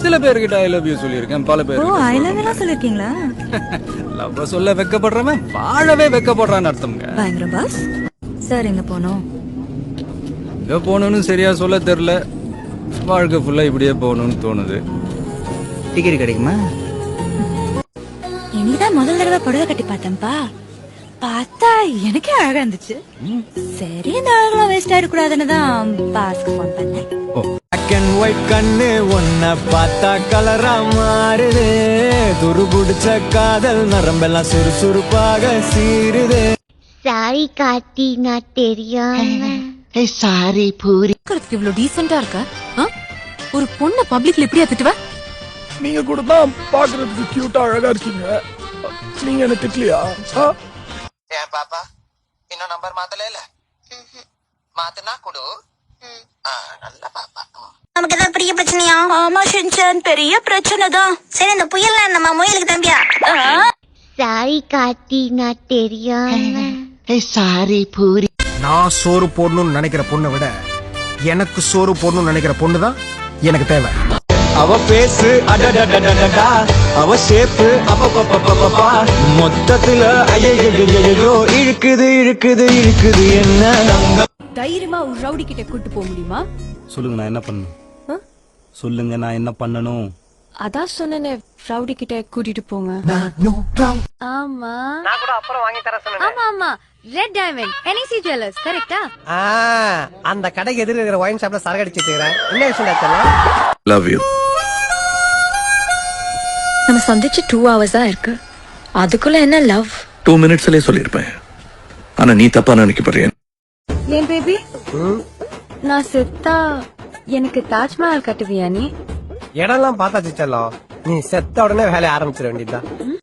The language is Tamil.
சில பேர்கிட்ட ஐ லவ் யூ சொல்லியிருக்கேன், பல பேர் ஐ லவ் யூ சொல்லிருக்கீங்களா? லவ் சொல்ல வெக்கப்படுறவன் வாழவே வெக்கப்படுறான்னு அர்த்தம்ங்க. பயங்கரம் பாஸ். சார் எங்க போனோம்? எங்க போகணும்னு சரியா சொல்ல தெரியல. வாழ்க்கை ஃபுல்லா இப்படியே போகணும்னு தோணுது. டிக்கெட் கிடைக்குமா? இன்னைக்குதான் முதல் தடவை புடவை கட்டி பார்த்தேன்ப்பா. பார்த்தா எனக்கே அழகா இருந்துச்சு. சரி இந்த அழகெல்லாம் வேஸ்ட் ஆயிடக்கூடாதுன்னு தான் பாஸ்க்கு போன் பண்ணேன். பிளாக் அண்ட் ஒயிட் கண்ணு ஒன்ன பார்த்தா கலரா மாறுது. துருபுடிச்ச காதல் நரம்பெல்லாம் சுறுசுறுப்பாக சீருது. சாரி காட்டி நான் தெரியாம சாரி பூரி. இவ்வளவு டீசெண்டா இருக்க ஒரு பொண்ண பப்ளிக்ல எப்படியா திட்டுவ? நீங்க கூட தான் பாக்குறதுக்கு கியூட்டா அழகா இருக்கீங்க. நீங்க என்ன திட்டலையா? ஏன் பாப்பா இன்னும் நம்பர் மாத்தல? மாத்தனா கொடு. நல்ல பாப்பா. நமக்கு ஏதாவது பெரிய பிரச்சனையா? ஆமா ஷின்சான், பெரிய பிரச்சனை தான். சரி இந்த புயல் நம்ம முயலுக்கு தம்பியா? சாரி காட்டி நான் தெரியாம சாரி பூரி. நான் சோறு போடணும்னு நினைக்கிற பொண்ணை விட எனக்கு சோறு போடணும்னு நினைக்கிற பொண்ணு தான் எனக்கு தேவை. அவ பேசு அடடடடடா, அவ ஷேப்பு அப்பப்பப்பப்பப்பா, மொத்தத்துல ஐயோ இழுக்குது இழுக்குது இழுக்குது என்ன. தைரியமா ஒரு ரவுடி கிட்ட கூட்டு போக முடியுமா? சொல்லுங்க நான் என்ன பண்ணணும்? சொல்லுங்க நான் என்ன பண்ணணும்? அதான் சொன்னேனே, ரவுடி கிட்ட கூட்டிட்டு போங்க. ஆமா நான் கூட அப்புறம் வாங்கி தர சொன்னேன். ஆமா ஆமா, ரெட் டைமண்ட் என்இசி ஜுவல்லர்ஸ் கரெக்ட்டா? அந்த கடைக்கு எதிர இருக்கிற ஒயின் ஷாப்ல சரக்கு அடிச்சிட்டு இருக்கேன். என்ன விஷயம்? Love you. நம்ம சந்திச்சு 2 hours தான் இருக்கு. அதுக்குள்ள என்ன லவ்? 2 minutesலயே சொல்லிருப்பேன். ஆனா நீ தப்பா நினைக்கப்படுறிய. ஏன் பேபி, நான் செத்தா எனக்கு தாஜ்மஹால் கட்டுவியா நீ? இடம்லாம் பார்த்தாச்சு செல்லம். நீ செத்த உடனே வேலைய ஆரம்பிச்சிட வேண்டியதுதான்.